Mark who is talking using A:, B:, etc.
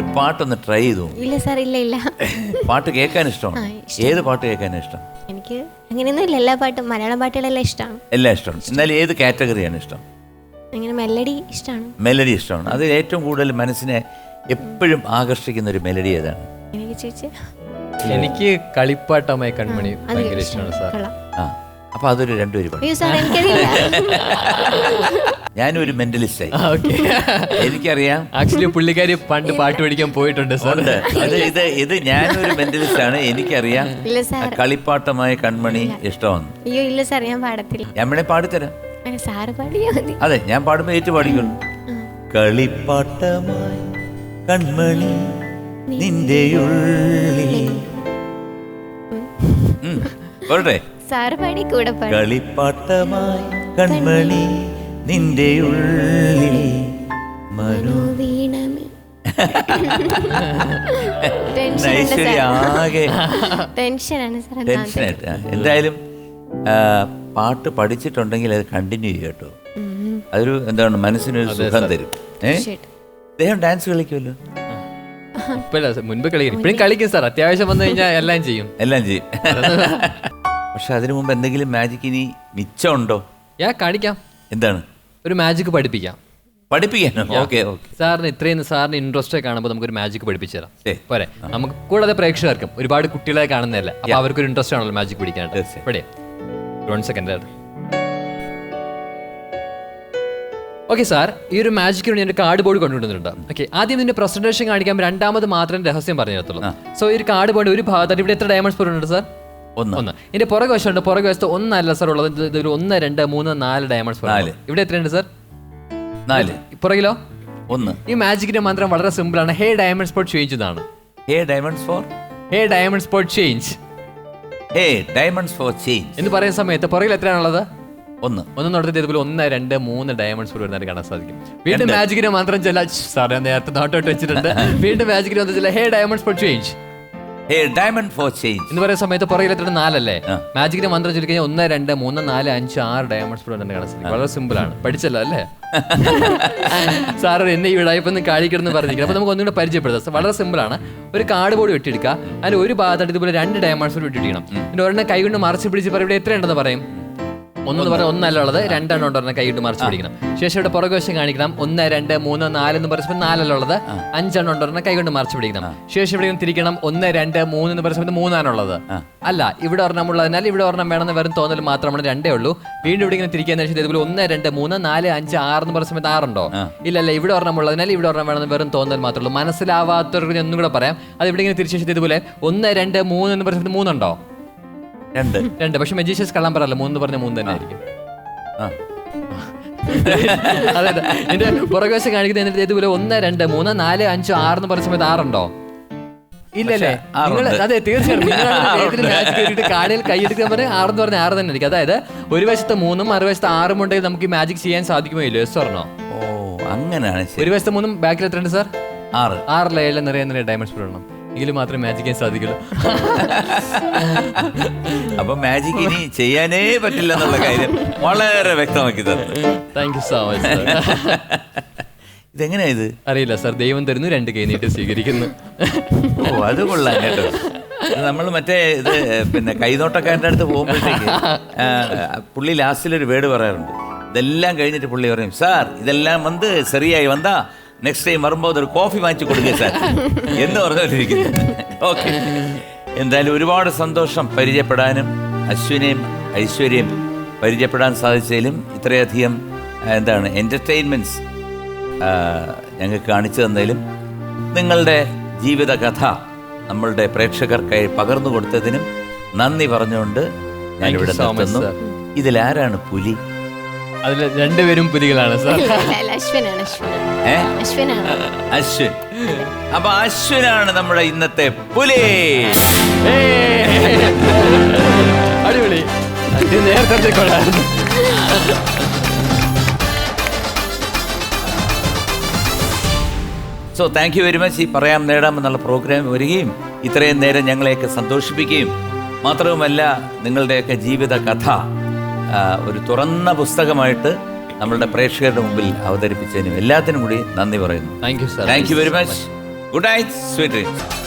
A: പാട്ടൊന്ന് ട്രൈ ചെയ്തു.
B: ഇല്ല സാർ, ഇല്ല.
A: പാട്ട് കേൾക്കാൻ ഇഷ്ടമാണ്. ഏത് പാട്ട് കേൾക്കാനാണ് ഇഷ്ടം?
B: എനിക്ക് അങ്ങനെയൊന്നും ഇല്ല, എല്ലാ പാട്ടും മലയാളം പാട്ടുകളെല്ലാം ഇഷ്ടമാണ്.
A: എല്ലാം ഇഷ്ടമാണ്. എന്നാലും ഏത് കാറ്റഗറിയാണ് ഇഷ്ടം?
B: അങ്ങനെ മെലഡി ഇഷ്ടമാണ്.
A: മെലഡി ഇഷ്ടമാണ്. അത് ഏറ്റവും കൂടുതൽ മനസ്സിനെ എപ്പോഴും ആകർഷിക്കുന്ന ഒരു മെലഡി ഏതാണ്?
C: എനിക്ക് കളിപ്പാട്ടമായ കൺമണി ഭയങ്കര ഇഷ്ടമാണ് സാർ.
A: അപ്പൊ അതൊരു രണ്ടുപേരും പാടും. ഞാനൊരു മെന്റലിസ്റ്റായി. എനിക്കറിയാം.
C: ആക്ച്വലി പുള്ളിക്കാരി പണ്ട് പാട്ട് പഠിക്കാൻ പോയിട്ടുണ്ട് സാർ.
A: ഇത് ഞാനൊരു മെന്റലിസ്റ്റ് ആണ്. എനിക്കറിയാം കളിപ്പാട്ടമായ കൺമണി ഇഷ്ടമാണ്.
B: അയ്യോ ഇല്ല സാർ, ഞാൻ പാടത്തില്ല.
A: ഞാൻ വേണേ പാടിത്തരാം.
B: അതെ,
A: ഞാൻ പാടുമ്പോ ഏറ്റു പാടിക്കൊള്ളു. കളിപ്പാട്ടമായി കൺമണി നിന്റെ ഉള്ളിൽ. പോട്ടെ. കളിപ്പാട്ടമായി കൺമണി നിന്റെ ഉള്ളിൽ ആകെ ടെൻഷനായിട്ട്. എന്തായാലും പാട്ട് പഠിച്ചിട്ടുണ്ടെങ്കിൽ അത് കണ്ടിന്യൂ ചെയ്യട്ടോ. അതൊരു എന്താണ് മനസ്സിനൊരു സുഖം തരും. അദ്ദേഹം ഡാൻസ് കളിക്കുമല്ലോ.
C: മുൻപ് കളിക്കും, ഇപ്പഴും കളിക്കും സാർ. അത്യാവശ്യം വന്നു കഴിഞ്ഞാൽ എല്ലാം ചെയ്യും.
A: പക്ഷെ അതിനു മുമ്പ് എന്തെങ്കിലും മാജിക് ഇനി മിച്ചമുണ്ടോ?
C: കാണിക്കാം.
A: എന്താണ്?
C: ഒരു മാജിക് പഠിപ്പിക്കാനോ?
A: ഓക്കെ.
C: സാറിന് ഇത്രയും സാറിന് ഇൻട്രസ്റ്റ് കാണുമ്പോൾ നമുക്കൊരു മാജിക് പഠിപ്പിച്ചു തരാം പോരെ? നമുക്ക് കൂടാതെ പ്രേക്ഷകർക്കും ഒരുപാട് കുട്ടികളെ കാണുന്നതല്ലേ, അപ്പൊ അവർക്കൊരു ഇൻട്രസ്റ്റ് ആണല്ലോ മാജിക് പഠിക്കാനായിട്ട്. ഇവിടെ 1 സെക്കൻഡ്. ഓക്കെ സാർ, ഈ ഒരു മാജിക്കിന് വേണ്ടി എൻ്റെ കാർഡ് ബോർഡ് കൊണ്ടുവന്നിട്ടുണ്ട്. ഓക്കെ, ആദ്യം ഇതിന്റെ പ്രസന്റേഷൻ കാണിക്കാൻ, രണ്ടാമത് മാത്രം രഹസ്യം പറഞ്ഞു തരത്തുള്ളൂ. സോ ഈ ഒരു കാർഡ് ബോർഡ് ഒരു ഭാഗത്തായിട്ട് ഇവിടെ എത്ര ഡയമണ്ട്സ് സ്പൂൺ ഉണ്ട് സാർ? 1. ഇതിന്റെ പുറകെ വശമുണ്ട്. പുറകെ വശത്ത് 1 അല്ല സാർ ഉള്ളത്. ഇതൊരു 1, 2, 3, 4 ഡയമണ്ട്സ് സ്പൂൺ. ഇവിടെ എത്രയുണ്ട് സാർ? 4. പുറകിലോ? 1. ഈ മാജിക്കിന്റെ മന്ത്രം വളരെ സിമ്പിൾ ആണ്. ഹേ ഡയമണ്ട് സ്പോട്ട് ചേഞ്ച് എന്നാണ്.
A: ഹേ ഡയമണ്ട്
C: സ്പോട്ട് ചേഞ്ച് എന്ന് പറയുന്ന സമയത്ത് പുറകിൽ എത്രയാണുള്ളത്? 1. നടത്തിയിട്ട് ഇതുപോലെ 1, 2, 3 ഡയമണ്ട്സ് വരുന്നതായിട്ട് കാണാൻ സാധിക്കും. വീണ്ടും മാജിക്കിന്റെ മന്ത്രം ചില സാർ ഞാൻ നേരത്തെ നോട്ടോട്ട് വെച്ചിട്ടുണ്ട്. വീണ്ടും മാജിക്കിന്റെ മന്ത്രം ചില ഹേ ഡയമണ്ട് സ്പോട്ട് ചേഞ്ച് എന്ന് പറയുന്ന സമയത്ത് പുറകിൽ എത്ര? 4 അല്ലേ? മാജിക്കിന്റെ മന്ത്രം ചൊല്ലി കഴിഞ്ഞാൽ 1, 2, 3, 4, 5, 6 ഡയമണ്ട്സ് കാണാൻ സാധിക്കും. വളരെ സിമ്പിൾ ആണ്. പഠിച്ചല്ലോ അല്ലേ സാർ? എന്നെ ഈ വിടായ്പൊന്നും കാണിക്കണമെന്ന് പറഞ്ഞിരിക്കുന്നത്. അപ്പൊ നമുക്ക് ഒന്നുകൂടെ പരിചയപ്പെടുത്താം. വളരെ സിമ്പിൾ ആണ്. ഒരു കാർഡ് ബോർഡ് വെട്ടിയെടുക്കുക. അതിൽ ഒരു ഭാഗത്തായിട്ട് ഇതുപോലെ 2 ഡയമണ്ട്സ് വെട്ടിയിടണം. പിന്നെ ഒരെണ്ണം കൈ കൊണ്ട് മറച്ച് പിടിച്ച് പറയും ഇവിടെ എത്രയുണ്ടെന്ന് പറയും. 1 പറഞ്ഞാൽ 1 അല്ല ഉള്ളത്, 2 എണ്ണം ഉണ്ടെന്ന് കൈ കൊണ്ട് മറിച്ച് പിടിക്കണം. ശേഷം ഇവിടെ പുറകുവശം കാണിക്കണം. 1, 2, 3, 4 എന്ന് പറയുമ്പോൾ 4 അല്ല ഉള്ളത്, 5 എണ്ണം ഉണ്ടെന്ന് കൈ കൊണ്ട് മറിച്ച് പിടിക്കണം. ശേഷം ഇവിടെ തിരിക്കണം. 1, 2, 3 എന്ന് പറയുമ്പോൾ 3 ആണുള്ളത്. അല്ല, ഇവിടെ ഒരെണ്ണം ഉള്ളതിനാൽ ഇവിടെ ഒരെണ്ണം വേണമെന്ന് വെറും തോന്നൽ മാത്രമാണ്. 2 ഉള്ളൂ. വീണ്ടും ഇവിടെ ഇങ്ങനെ തിരിക്കാൻ ഇതുപോലെ 1, 2, 3, 4, 5, 6 എന്ന് പറയുന്ന സമയത്ത് 6 ഉണ്ടോ? ഇല്ലല്ല, ഇവിടെ ഒരെണ്ണം ഉള്ളതിനാൽ ഇവിടെ ഒരെണ്ണം വേണമെന്ന് വെറും തോന്നൽ മാത്രമേ ഉള്ളൂ. മനസ്സിലാവാത്തവർക്ക് ഒന്നും കൂടെ പറയാം. അത് ഇവിടെ ഇങ്ങനെ തിരിച്ചു ഇതുപോലെ 1, 2, 3 എന്ന് പറയുന്നത് 3 ഉണ്ടോ? 2. പക്ഷെ മജീഷ്യസ് കള്ളം പറയല്ലോ, 3 പറഞ്ഞ 3 തന്നെ ആയിരിക്കും. അതെ, എന്റെ പുറകുവശം കാണിക്കുന്നത് ഇതുപോലെ 1, 2, 3, 4, 5, 6 എന്ന് പറയുന്ന സമയത്ത് 6 ഉണ്ടോ? ഇല്ലല്ലേ? അതെ, തീർച്ചയായിട്ടും കാണിൽ കൈയെടുക്കാൻ പറഞ്ഞാൽ 6 എന്ന് പറഞ്ഞാൽ 6 തന്നെ ആയിരിക്കും. അതായത് ഒരു വശത്ത് 3 മറുവശത്ത് 6 ഉണ്ടെങ്കിൽ നമുക്ക് മാജിക് ചെയ്യാൻ സാധിക്കുമോ ഇല്ലോ? യെസ് പറഞ്ഞോ?
A: അങ്ങനെയാണ്.
C: ഒരു വശത്ത് 3 ബാക്കിൽ എത്രയുണ്ട് സാർ? 6. 6 നിറയെ ഡയമണ്ട്സ് ഇടണം. എങ്കിലും മാത്രമേ മാജിക് ചെയ്യാൻ സാധിക്കുള്ളൂ.
A: അപ്പൊ മാജിക് ഇനി ചെയ്യാനേ പറ്റില്ല എന്നുള്ള കാര്യം വളരെ വ്യക്തമാക്കി തന്നു.
C: Thank you so much.
A: ഇതെങ്ങനെയാ ഇത്?
C: അറിയില്ല സാർ. ദൈവം തരുന്നു, 2 കൈ നീട്ടി സ്വീകരിക്കുന്നു.
A: അത് കൊള്ളാം കേട്ടോ. നമ്മൾ മറ്റേ ഇത് പിന്നെ കൈനോട്ടക്കാരൻ്റെ അടുത്ത് പോകുമ്പോഴത്തേക്ക് പുള്ളി ലാസ്റ്റിലൊരു വേർഡ് പറയാറുണ്ട്. ഇതെല്ലാം കഴിഞ്ഞിട്ട് പുള്ളി പറയും, സാർ ഇതെല്ലാം വന്ന് ശരിയായി വന്നാ നെക്സ്റ്റ് ടൈം വരുമ്പോൾ ഒരു കോഫി വാങ്ങിച്ചു കൊടുക്കുക സാർ എന്ന് പറഞ്ഞുകൊണ്ടിരിക്കുന്നു. ഓക്കെ, എന്തായാലും ഒരുപാട് സന്തോഷം പരിചയപ്പെടാനും അശ്വിനെയും ഐശ്വര്യയും പരിചയപ്പെടാൻ സാധിച്ചതിലും ഇത്രയധികം എൻ്റർടൈൻമെൻറ്റ്സ് ഞങ്ങൾക്ക് കാണിച്ചു തന്നതിലും നിങ്ങളുടെ ജീവിതകഥ നമ്മളുടെ പ്രേക്ഷകർക്കായി പകർന്നു കൊടുത്തതിനും നന്ദി പറഞ്ഞുകൊണ്ട് ഞാനിവിടെ നിർത്തുന്നു. ഇതിലാരാണ് പുലി?
C: അതിൽ 2 പേരും പുലികളാണ് സാർ.
A: അശ്വിൻ. അപ്പൊ അശ്വിനാണ് നമ്മുടെ ഇന്നത്തെ പുലി.
C: അടിപൊളി. നേരത്തെ കൊള്ളായിരുന്നു.
A: So thank you very much. ഈ പറയാം നേടാം എന്നുള്ള പ്രോഗ്രാം വരികയും ഇത്രയും നേരം ഞങ്ങളെയൊക്കെ സന്തോഷിപ്പിക്കുകയും മാത്രവുമല്ല നിങ്ങളുടെയൊക്കെ ജീവിത കഥ ഒരു തുറന്ന പുസ്തകമായിട്ട് നമ്മളുടെ പ്രേക്ഷകരുടെ മുമ്പിൽ അവതരിപ്പിച്ചതിനും എല്ലാത്തിനും കൂടി നന്ദി പറയുന്നു.
C: Thank you
A: very much. Good night, sweet dreams.